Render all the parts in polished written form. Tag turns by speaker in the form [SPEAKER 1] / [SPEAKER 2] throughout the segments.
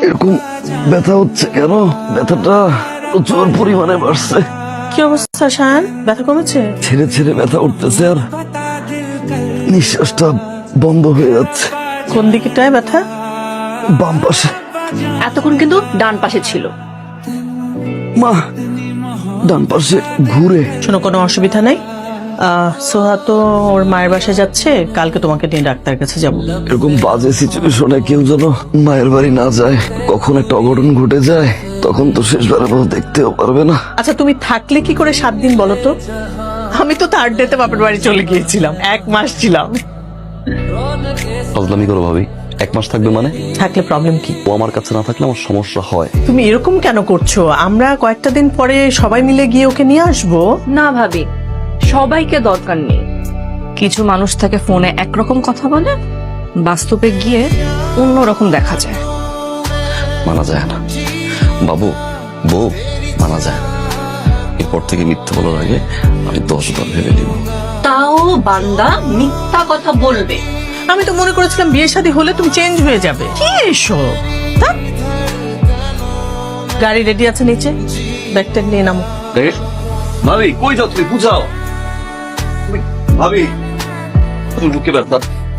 [SPEAKER 1] এরকম ব্যথা হচ্ছে কেন? ব্যথাটা প্রচুর পরিমাণে বাড়ছে।
[SPEAKER 2] কি অবস্থা শায়ান? ব্যথা কমেছে?
[SPEAKER 1] ছেড়ে ছেড়ে ব্যথা উঠতেছে আর নিঃশ্বাসটা বন্ধ হয়ে যাচ্ছে।
[SPEAKER 2] কোন দিকটায় ব্যথা?
[SPEAKER 1] বাম পাশে।
[SPEAKER 3] এতক্ষণ কিন্তু ডান পাশে ছিল।
[SPEAKER 1] মা, ডান পাশে ঘুরে।
[SPEAKER 2] শোনো, কোনো অসুবিধা নাই। সোহা তো ওর মায়ের বাসায় যাচ্ছে, কালকে তোমাকে নিয়ে ডাক্তার কাছে যাবো।
[SPEAKER 1] এরকম বাজে সিচুয়েশনে কেউ যেন মায়ের বাড়ি না যায়। কখন একটা অঘটন ঘটে যায় তখন তো শেষবারের মতো দেখতেও পারবে না।
[SPEAKER 2] আচ্ছা, তুমি থাকলে কি করে 7 দিন বলো তো? আমি তো 3rd ডেতে বাপের বাড়ি চলে গিয়েছিলাম, 1 মাস ছিলাম।
[SPEAKER 4] বদলামি করো ভাবি, 1 মাস থাকবে মানে?
[SPEAKER 2] থাকলে প্রবলেম কি?
[SPEAKER 4] ও আমার কাছে না থাকলে আমার সমস্যা হয়।
[SPEAKER 2] তুমি এরকম কেন করছো? আমরা কয়েকটা দিন পরে সবাই মিলে গিয়ে ওকে নিয়ে আসবো।
[SPEAKER 3] না ভাবি, সবাইকে দরকার নেই। কিছু মানুষ থাকে ফোনে একরকম কথা বলে, বাস্তবে গিয়ে অন্যরকম দেখা যায়।
[SPEAKER 4] মানা যায় না বাবু, বউ মানা যায় না। এরপর থেকে মিথ্যা বলার আগে আমি 10 বার ভেবে নিব।
[SPEAKER 3] তাও বান্দা মিথ্যা কথা বলবে।
[SPEAKER 2] আমি তো মনে করেছিলাম বিয়ে শাদী হলে তুমি চেঞ্জ হয়ে যাবে। কি এসব? ধ্যাৎ। গাড়ি রেডি আছে নিচে, ব্যাগটা নিয়ে নামো।
[SPEAKER 4] ভাবি কই যাও তুমি? বুঝাও ভাবি, তুমি বুকে ব্যথা।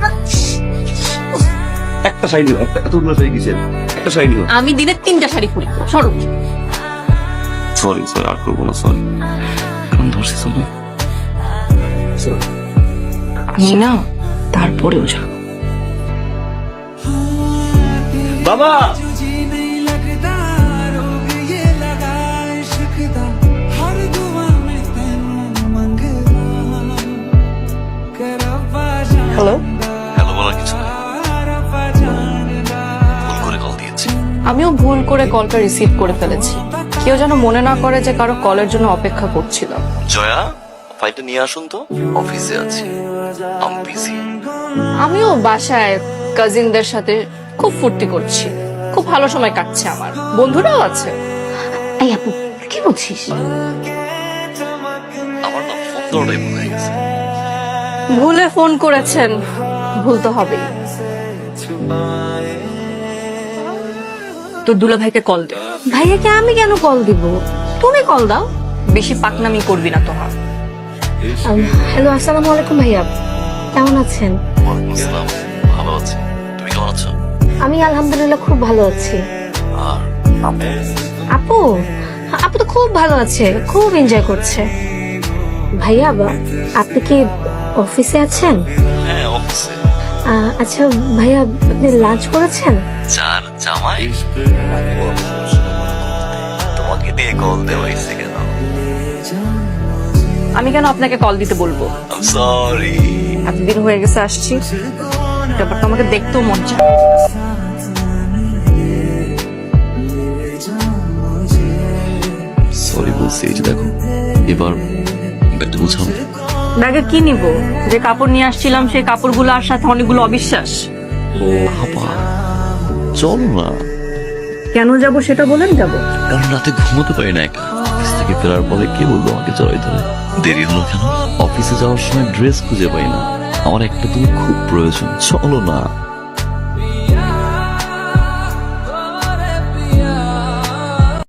[SPEAKER 4] একটা শাড়ি নিও, এতগুলো শাড়ি কিসের? একটা শাড়ি নিও।
[SPEAKER 3] আমি দিনে 3টা শাড়ি পরি। সরো।
[SPEAKER 4] সরি সরি, আর করবো না, সরি। এখন ধরছি তুমি।
[SPEAKER 3] আমি না তারপরেও যাব।
[SPEAKER 4] বাবা,
[SPEAKER 2] হ্যালো।
[SPEAKER 4] হ্যালো বলার কিছু নেই, ভুল করে কল দিয়েছি।
[SPEAKER 3] আমিও ভুল করে কলটা রিসিভ করে ফেলেছি। কেউ যেন মনে না করে যে কারো কলের জন্য অপেক্ষা করছিল।
[SPEAKER 4] জয়া, ফাইলটা নিয়ে আসুন তো, অফিসে আছি, আমি বিজি।
[SPEAKER 3] আমিও বাসায় কাজিনদের সাথে খুব ফুর্তি করছি, খুব ভালো সময় কাটছে আমার। বন্ধুরাও আছে। এই আপু, কি বলছিস?
[SPEAKER 4] আমার না ফোন করাটাই ভুল হয়ে গেছে।
[SPEAKER 3] ভুলে ফোন করেছেন, ভুল তো হবেই। তোর দুলা ভাইকে কল দে। ভাইয়াকে আমি কেন কল দিব? তুমি কল দাও। বেশি পাকনামি করবি না তোমার।
[SPEAKER 5] হ্যালো, আসসালামু আলাইকুম ভাইয়া, কেমন আছেন?
[SPEAKER 4] ওয়ালাইকুম আসসালাম, ভালো আছি। তুমি কেমন আছো?
[SPEAKER 5] আমি আলহামদুলিল্লাহ খুব ভালো আছি।
[SPEAKER 4] আর
[SPEAKER 5] আপু আপু তো খুব ভালো আছে, খুব এনজয় করছে। ভাইয়া, আপনি কি অফিসে আছেন?
[SPEAKER 4] হ্যাঁ, অফিসে।
[SPEAKER 5] আচ্ছা ভাইয়া, আপনি লাঞ্চ করেছেন?
[SPEAKER 4] চার জামাই তোমাকে দিয়ে কল দেওয়াইছে কেন?
[SPEAKER 3] আমি কেন আপনাকে কল দিতে বলবো?
[SPEAKER 4] সরি।
[SPEAKER 3] এতদিন হয়ে গেছে আসছি, ব্যাপারটা আমাকে দেখতেও মন চায়।
[SPEAKER 4] সরি বলছি, এই যে দেখো, এবার ব্যাগটা বুঝাও।
[SPEAKER 3] ব্যাগে কি নিব? যে কাপড় নিয়ে আসছিলাম সেই কাপড়গুলো আর সাথে অনেকগুলো অবিশ্বাস।
[SPEAKER 4] ও বাবা, চলো না।
[SPEAKER 3] কেন যাব সেটা বলেন যাব।
[SPEAKER 4] কারণ রাতে ঘুমোতে পারি না একা। অফিস থেকে ফেরার পরে কে বলবো আমাকে জড়াই ধরে? দেরি হলো কেন? অফিসে যাওয়ার সময় ড্রেস খুঁজে পাই না। আমার একটা তুমি খুব প্রয়োজন, চলো না।